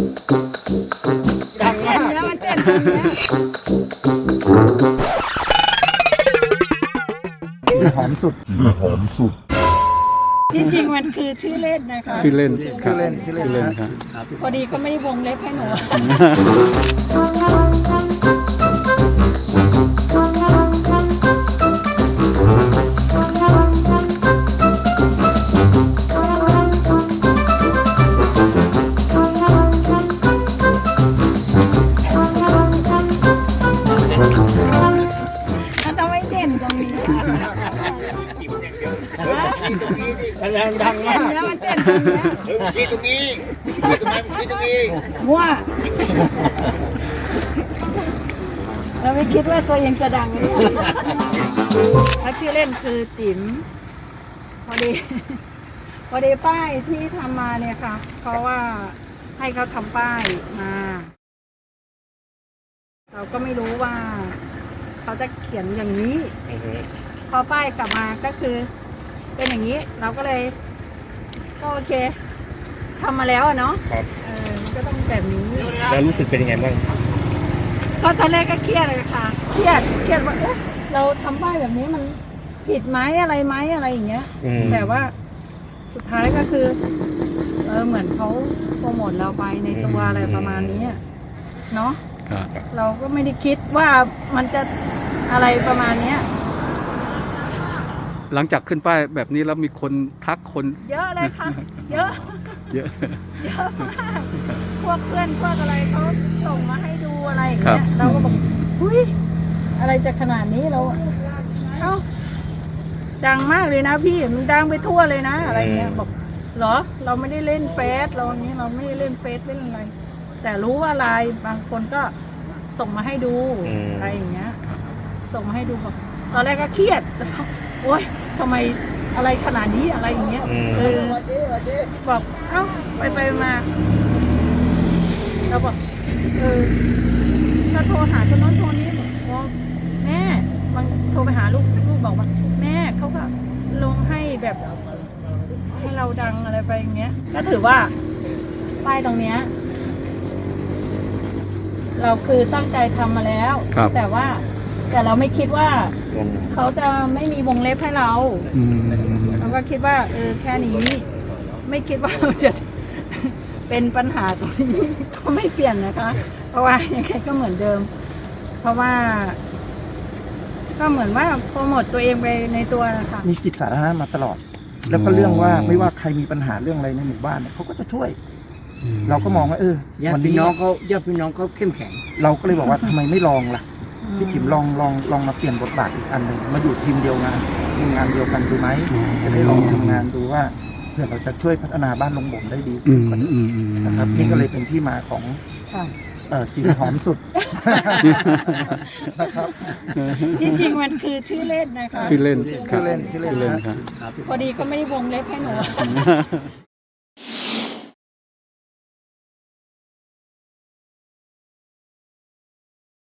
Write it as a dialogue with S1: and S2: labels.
S1: ดังมาก
S2: แล้วมันเต้นตรงเนี้ย
S3: หอมสุด
S2: ที่จริงมันคือชื่อเล่นนะคะ
S4: ชื่อเล่น
S3: ชื่อเล่นชื่อเล่น
S4: ชื่อเล่น
S3: ครับ
S2: พอดีเขาไม่ได้วงเล็บให้หนู มันต้องไม่เด่นตรงนี้
S1: ดังมาก
S2: แล้วมันเต้นตรงเนี้ย
S1: ชี้ตรงนี้ชี้ตรงนั้นชี้ตรงนี้
S2: มั่วเราไม่คิดว่าตัวเองจะดังเลยถ้าชื่อเล่นคือจิ๋มพอดี พอดีป้ายที่ทำมาเนี่ยค่ะเพราะว่าให้เขาทำป้ายมา เราก็ไม่รู้ว่า เขาจะเขียนอย่างนี้ พอป้ายกลับมาก็คือ เป็นอย่างนี้ เราก็เลย ก็โอเคทำมาแล้วอะเนาะก็ต้องแบบนี้
S1: แล้วรู้สึกเป็นยังไงบ้าง
S2: ก็ตอนแรกก็เครียดเลยค่ะ เครียดว่าเอ๊ะเราทำป้ายแบบนี้มันผิดไหมอะไรไหมอะไรอย่างเงี้ย แต่ว่าสุดท้ายก็คือเหมือนเขาโปรโมทเราไปในตัวอะไรประมาณนี้อะเนาะ
S4: ครับ
S2: เราก็ไม่ได้คิดว่ามันจะอะไรประมาณเนี้ย
S4: หลังจากขึ้นป้ายแบบนี้แล้วมีคนทักคน
S2: เยอะเลยค่ะ เยอะ
S4: เยอะ
S2: เยอะมากพวกเพื่อนพวกอะไรเขาส่งมาให้ดูอะไรอย่าง
S4: ครั
S2: เงี้
S4: บ
S2: ยเราก็บอกอุ้ยอะไรจะขนาดนี้เราเอ้าดังมากเลยนะพี่มันดังไปทั่วเลยนะอะไรเงี้ยบอกเหรอเราไม่ได้เล่นเฟซเราอย่างนี้เราไม่ได้เล่นเฟซเล่นอะไร แต่รู้ว่าไลน์บางคนก็ส่งมาให้ดูอะไรอย่างเงี้ย ส่งมาให้ดูบอกตอนแรกก็เครียดโอ๊ยทำไมอะไรขนาดนี้อะไรอย่างเงี้ยบอกเอ้าไปมาเราบอกถ้าโทรหาคนโน้นโทรนี้บอกแม่บางโทรไปหาลูกบอกว่าแม่เขาก็ลงให้แบบให้เราดังอะไรไปอย่างเงี้ยก็ถือว่าป้ายตรงเนี้ยเราคือตั้งใจทำมาแล้ว
S4: ครับ
S2: แต่เราไม่คิดว่าเขาจะไม่มีวงเล็บให้เรา
S4: อืม
S2: เราก็คิดว่าแค่นี้ ไม่คิดว่าเราจะ เป็นปัญหาตรงนี้ก็ไม่เปลี่ยนนะคะ เพราะว่ายังไงก็เหมือนเดิม เพราะว่า ก็เหมือนว่าโปรโมทตัวเองไปในตัวนะคะ
S3: มีจิตสาธารณะมาตลอด แล้วก็เรื่องว่าไม่ว่าใครมีปัญหาเรื่องอะไรในหมู่บ้านเนี่ยเขาก็จะช่วย เราก็มองว่า
S5: ญา
S3: วั
S5: ติ
S3: น
S5: พี่
S3: นี้
S5: น้องเขาเข้มแข็ง
S3: เราก็เลยบอกว่าทำไมไม่ลองล่ะพี่จิ๋มลองมาเปลี่ยนบทบาทอีกอันหนึ่งมาอยู่ทีมเดียวทีมงานเดียวกันดูไหมจะได้ลองทำงานดูว่าเพื่อเราจะช่วยพัฒนาบ้านลงบ่มได้ดี
S4: อื
S3: ขึ้น
S4: ม
S3: กว่านี้
S4: อืม
S3: นะครับนี่ก็เลยเป็นที่มาของ
S2: ค่ะ
S3: จิ๋มหอมสุดนะครับ
S2: ที่จริงมันคือชื่อเล่นนะคะ
S4: ชื่อเล่น
S3: ชื่อเล่น
S4: ชื่อเล่นครับ
S2: พอดีเขาไม่ได้วงเล็บให้หนู